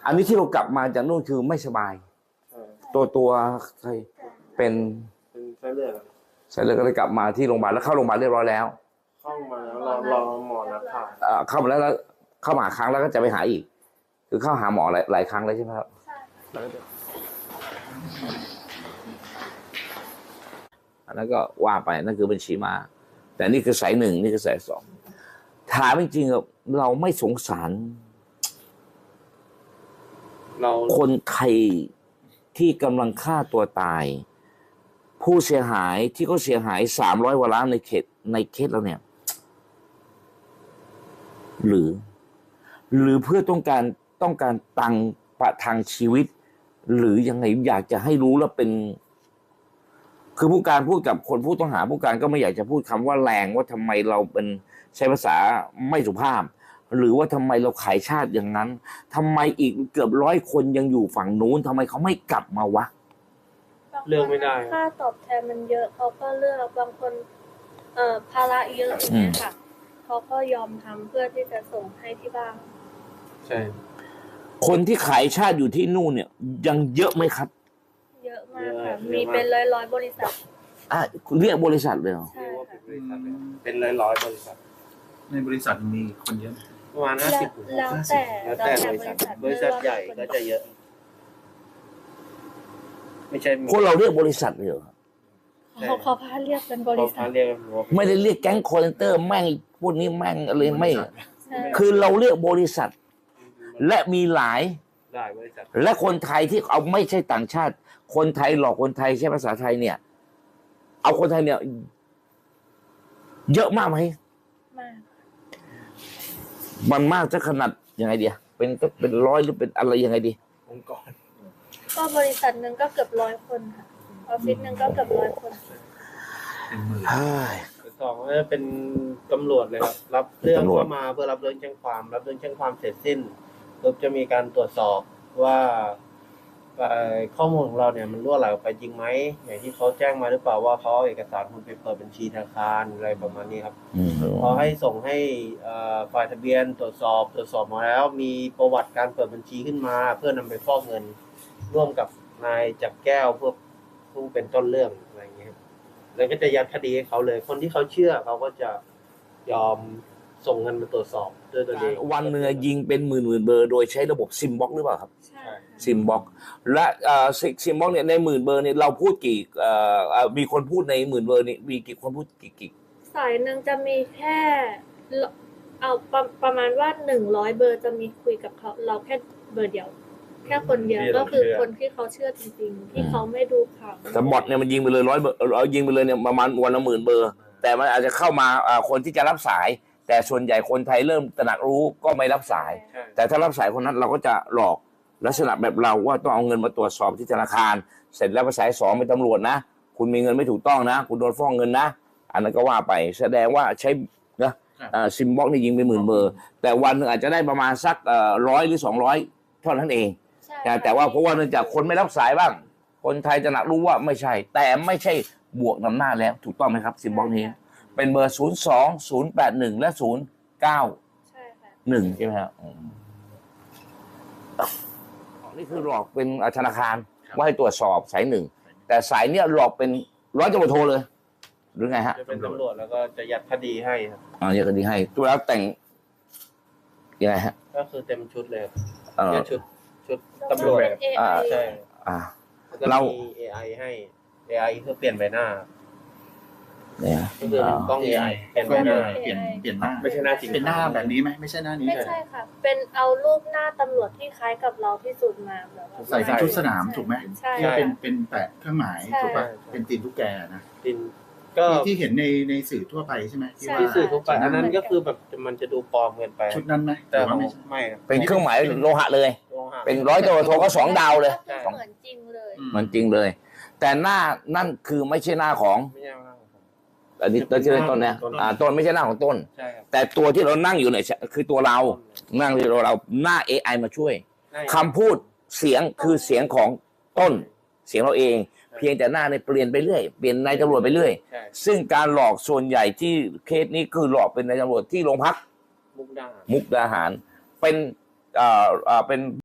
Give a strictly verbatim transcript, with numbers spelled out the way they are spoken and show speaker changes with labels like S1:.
S1: อันนี้ที่เรากลับมาจากนู่นคือไม่สบาย ตัวตัวใครเป็น
S2: เป็นไส้เลือด
S1: ไส้เลือดก็เลยกลับมาที่โรงพยาบาลแล้วเข้าโรงพยาบาลเรียบร้อยแล้ว
S2: เข้ามาแล้วรอรอหมอนัดผ่า
S1: เข้ามาแล้วแล้วเข้ามาครั้งแล้วก็จะไปหาอีกคือเข้าหาหมอหลายหลายครั้งเลยใช่ไหมครับอันนั้นก็ว่าไปนั่นคือบัญชีมาแต่นี่คือสายหนึ่งนี่คือสายสองถามจริงๆเราไม่สงสาร
S2: เรา
S1: คนไทยที่กำลังฆ่าตัวตายผู้เสียหายที่เขาเสียหายสามร้อยกว่าล้านในเขตในเคสเราเนี่ยหรือหรือเพื่อต้องการต้องการตังประทังชีวิตหรือยังไงอยากจะให้รู้แล้วเป็นคือผู้การพูดกับคนผู้ต้องหาผู้การก็ไม่อยากจะพูดคำว่าแรงว่าทำไมเราเป็นใช้ภาษาไม่สุภาพหรือว่าทำไมเราขายชาติอย่างนั้นทำไมอีกเกือบร้อยคนยังอยู่ฝั่งนู้นทำไมเขาไม่กลับมาวะ
S2: เลือกไม่ได้
S3: ค่าตอบแทนมันเยอะเขาก็เลือกบางคนเอ่อภาระเยอะอย่างเงี้ยค่ะเขาก็ยอมทำเพื่อที่จะส่งให้ที่บ้าน
S2: ใช่
S1: คนที่ขายชาติอยู่ที่นู่นเนี่ยยังเยอะไหมครับ
S3: เยอะมากค่ะมีเป็นร้อยร้อยบริษัท
S1: อ่ะเรียกบริษัทเลยเหรอ
S3: ใช่ค่ะ
S2: เป็นร้อยร้อยบริษัท
S4: ในบริษัทมีคนเยอะ
S2: ประมาณห้าสิบ
S3: แล้วแต่
S2: แล้วแต่บริษัทบริษัทใหญ่ก็จะเยอะไม่ใช่
S1: คนเราเรียกบริษัทเลยเหรอ
S3: เขาเขาพาเรียกเป็นบริษัท
S1: ไม่ได้เรียกแก๊งคอร์เซนเตอร์แม่งพวกนี้แม่งอะไรไม่คือเราเรียกบริษัทและมีหลาย
S2: หลายบริษัท
S1: และคนไทยที่เอาไม่ใช่ต่างชาติคนไทยหลอกคนไทยใช้ภาษาไทยเนี่ยเอาคนไทยเนี่ยเยอะมากไหม
S3: มาก
S1: มันมากจะขนาดยังไงดีเป็นก็เป็นร้อยหรือเป็นอะไรยังไงดี
S2: องค์กร
S3: ก็บริษัทหนึ่งก็เกือบร้อยคนค่ะออฟฟิศหนึ่งก็เกือบร้อยคน
S2: สองก็เป็นตำรวจเลยครับรับเรื่องเข้ามาเพื่อรับเรื่องแจ้งความรับเรื่องแจ้งความเสร็จสิ้นปุ๊บจะมีการตรวจสอบว่าข้อมูลของเราเนี่ยมันรั่วไหลออกไปจริงไหมอย่างที่เขาแจ้งมาหรือเปล่าว่าเขาเอาเอกสารคุณไปเปิดบัญชีธนาคารอะไรประมาณนี้ครับพอให้ส่งให้ฝ่ายทะเบียนตรวจสอบตรวจสอบมาแล้วมีประวัติการเปิดบัญชีขึ้นมาเพื่อนำไปฟอกเงินร่วมกับนายจักรแก้วเพื่อผู้เป็นต้นเรื่องอะไรอย่างเงี้ยแล้วก็จะยัดคดีให้เขาเลยคนที่เขาเชื่อเขาก็จะยอมส่งเงินมาตรวจสอบด้วยตัวเอง
S1: วันเนื้อยิงเป็นหมื่นหมื่นเบอร์โดยใช้ระบบซิมบ็อกหรือเปล่าครับ
S3: ใช่
S1: ซิมบ็อกและซิมบ็อกเนี่ยในหมื่นเบอร์เนี่ยเราพูดกี่มีคนพูดในหมื่นเบอร์นี่มีกี่คนพูดกี่กี่
S3: สายหนึ่งจะมีแค่เอาประประมาณว่าหนึ่งร้อยเบอร์จะมีคุยกับเขาเราแค่เบอร์เดียวแค่คนเดียวก็คือคนที่เขาเชื่อจริงๆที่เขาไม่ดูข่าว
S1: แต่บอทเนี่ยมันยิงไปเลยร้อยเบอร์เอายิงไปเลยเนี่ยประมาณวันละหมื่นเบอร์แต่มันอาจจะเข้ามาคนที่จะรับสายแต่ส่วนใหญ่คนไทยเริ่มตระหนักรู้ก็ไม่รับสายแต่ถ้ารับสายคนนั้นเราก็จะหลอกลักษณะแบบเราว่าต้องเอาเงินมาตรวจสอบที่ธนาคารเสร็จแล้วไปสายสองเป็นตำรวจนะคุณมีเงินไม่ถูกต้องนะคุณโดนฟ้องเงินนะอันนั้นก็ว่าไปแสดงว่าใช้นะซิมบ็อกนี่ยิงไปหมื่นเบอร์แต่วันหนึ่งอาจจะได้ประมาณสักร้อยหรือสองร้อยเท่านั้นเองแต่ว่าเพราะว่าเนื่องจากคนไม่รับสายบ้างคนไทยจะหนักรู้ว่าไม่ใช่แต่ไม่ใช่บวกนำหน้าแล้วถูกต้องไหมครับซิมบ็อกนี้เป็นเบอร์ศูนย์สองศูนย์แปดหนึ่งและศูนย์เก้าหนึ่งใช่ไหมครับนี่คือหลอกเป็นธนาคารว่าให้ตรวจสอบสายหนึ่งแต่สายเนี้ยหลอกเป็นร้อยตำรวจโทเลยหรือไงฮะ
S2: จะเป็นตำรวจแล้วก็จะยัดคดีให้ครับ
S1: อ๋อยัดคดีให้ตัวแล้วแต่งยังไงฮะ
S2: ก็คือเต็มชุดเลยเนี่ยชุดชุดตำรวจ
S1: อ่า
S2: ใช่
S1: อ่า
S2: เรามี เอ ไอ ให้ เอ ไอ เพื่อเปลี่ยนใบหน้า
S1: เนี่ย
S2: ก็คือเป็นกล้อง เอ ไอ เปลี่ยนใบหน้า
S4: เปลี่ยนเปลี่ยนหน้า
S2: ไม่ใช่หน้าจริง
S4: เป็นหน้าแบบนี้ไหมไม่ใช่หน้านี้
S3: ไม่ใช่ค่ะเป็นเอารูปหน้าตำรวจที่คล้ายกับเราที่สุดมาแบบ
S4: ใส่ชุดสนามถูกไหม
S3: ใช่
S4: เป็นเป็นแปะเครื่องหมายถูกป่ะเป็นตีนตุ๊กแกนะ
S2: ตีนก็
S4: ที่เห็นในในสื่อทั่วไปใช่ไหม
S2: ที่สื่อทั่วไปอันนั้นก็คือแบบมันจะดูปลอมเกินไป
S4: ชุดนั้นไหม
S2: แต่ว่าไม่ไม่
S1: เป็นเครื่องหมายโลหะเลยเป็นร้อยตำรวจโทก็สองดาวเลย
S3: เหมือนจริงเลย
S1: เหมือนจริงเลยแต่หน้านั่นคือไม่ใช่หน้าของอันนี้ต้นชื่อต้นเนี่ยอ่าต้นไม่ใช่หน้าของต้นแต่ตัวที่เรานั่งอยู่เนี่ยคือตัวเรานั่งที่เราเราหน้า เอ ไอ มาช่วยคำพูดเสียงคือเสียงของต้นเสียงเราเองเพียงแต่หน้าเนี่ยเปลี่ยนไปเรื่อยเปลี่ยนนายตำรวจไปเรื่อยซึ่งการหลอกส่วนใหญ่ที่เคสนี้คือหลอกเป็นนายตำรวจที่โรงพัก
S2: มุกดา
S1: มุกดาหารเป็นอ่าอ่าเป็น